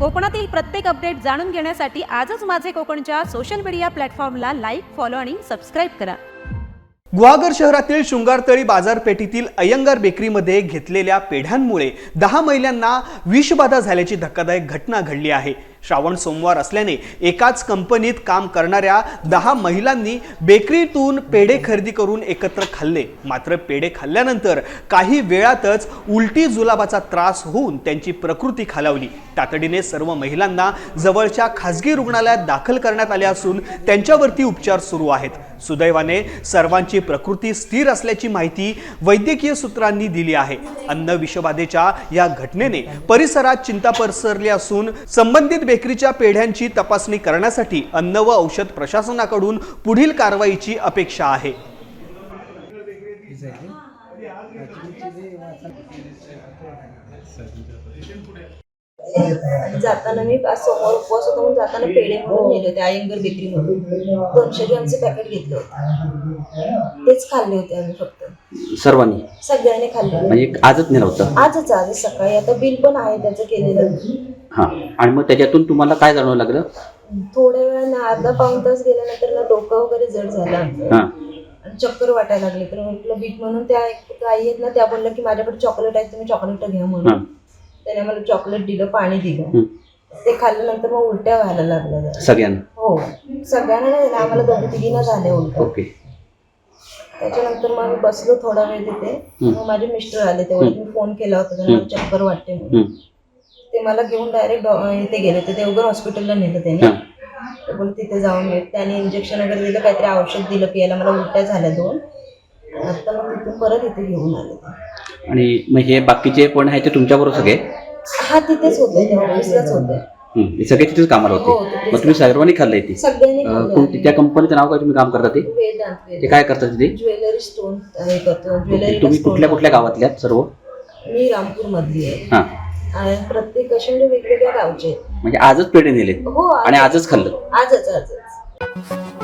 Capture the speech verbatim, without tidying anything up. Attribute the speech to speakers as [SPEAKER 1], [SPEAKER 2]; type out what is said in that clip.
[SPEAKER 1] कोकणातील प्रत्येक अपडेट जाणून घेण्यासाठी आजच माझे कोकणच्या सोशल मीडिया प्लॅटफॉर्मला लाईक, फॉलो आणि सबस्क्राईब करा.
[SPEAKER 2] गुहागर शहरातील शृंगारतळी बाजारपेठेतील अय्यंगार बेकरीमध्ये घेतलेल्या पेढ्यांमुळे दहा महिलांना विषबाधा झाल्याची धक्कादायक घटना घडली आहे. श्रावण सोमवार असल्याने एकाच कंपनीत काम करणाऱ्या दहा महिलांनी बेकरीतून पेढे खरेदी करून एकत्र खाल्ले. मात्र पेढे खाल्ल्यानंतर काही वेळातच उलटी जुलाबाचा त्रास होऊन त्यांची प्रकृती खालावली. तातडीने सर्व महिलांना जवळच्या खासगी रुग्णालयात दाखल करण्यात आले असून त्यांच्यावरती उपचार सुरू आहेत. सुदैवाने सर्वांची प्रकृती स्थिर असल्याची माहिती वैद्यकीय सूत्रांनी दिली आहे. अन्न विषबाधेच्या या घटनेने परिसरात चिंता पसरली असून संबंधित बेकरीच्या पेढ्यांची तपासणी करण्यासाठी अन्न व औषध प्रशासनाकडून पुढील कारवाईची अपेक्षा आहे.
[SPEAKER 3] जाताना मी समोर उपवास होता म्हणून जाताना पेढे म्हणून नेले होते अय्यंगार बेकरी मधून दोनशे ग्रॅमचे पॅकेट घेतले होते. तेच खाल्ले होते आम्ही फक्त
[SPEAKER 4] सर्वांनी
[SPEAKER 3] सगळ्यांनी खाल्ले.
[SPEAKER 4] म्हणजे आजच नेलं होतं?
[SPEAKER 3] आजच आजच सकाळी. आता बिल पण आहे त्याचं केलेलं.
[SPEAKER 4] हा. आणि मग त्याच्यातून तुम्हाला काय जाणवं लागलं?
[SPEAKER 3] थोड्या वेळानं अर्धा पाऊण तास गेल्यानंतर ना डोकं वगैरे जड झालं
[SPEAKER 4] हा
[SPEAKER 3] आणि चक्कर वाटायला लागली. तर म्हटलं बीट म्हणून त्या आई आहेत ना, त्या बोलल्या की माझ्याकडे चॉकलेट आहे तुम्ही चॉकलेट घ्या म्हणून. त्याने मला चॉकलेट दिलं, पाणी दिलं. ते खाल्ल्यानंतर मग उलट्या व्हायला लागल्या
[SPEAKER 4] सगळ्यांना? हो
[SPEAKER 3] सगळ्यांना नाही, आम्हाला दोघी तिघींना झाल्या उलट्या.
[SPEAKER 4] ओके.
[SPEAKER 3] त्याच्यानंतर मग मी बसलो थोडा वेळ तिथे. मग माझे मिस्टर आले तेव्हा मी फोन केला होता त्यांना मला चक्कर वाटते म्हणून. ते मला घेऊन डायरेक्ट इथे गेले होते, देवघर हॉस्पिटलला नेलं त्याने. ते बोल तिथे जाऊन येत. त्याने इंजेक्शन वगैरे दिलं, काहीतरी औषध दिलं पियाला. मला उलट्या झाल्या दोन. आता मग तिथून परत इथे घेऊन आले.
[SPEAKER 4] आणि मग हे बाकीचे कोण आहे ते तुमच्याबरोबर सगळे?
[SPEAKER 3] हा तिथेच होते, तेव्हा ऑफिसलाच होते.
[SPEAKER 4] सगळे तिथेच कामाला होते? मग तुम्ही सर्वांनी खाल्लंय ते?
[SPEAKER 3] सगळ्यांनी
[SPEAKER 4] कोणती त्या कंपनीचं नाव काय तुम्ही काम करता ते?
[SPEAKER 3] वेदांत.
[SPEAKER 4] ते काय करतात तिथे?
[SPEAKER 3] ज्वेलरी स्टोन हे करतो. ज्वेलरी.
[SPEAKER 4] तुम्ही कुठल्या कुठल्या गावातल्या सर्व?
[SPEAKER 3] मी रामपूर मधली आहे.
[SPEAKER 4] हा.
[SPEAKER 3] आणि प्रत्येक असे म्हणजे वेगवेगळ्या गावचे.
[SPEAKER 4] म्हणजे आजच पेढे नेले?
[SPEAKER 3] हो.
[SPEAKER 4] आणि आजच खाल्लं?
[SPEAKER 3] आजच आजच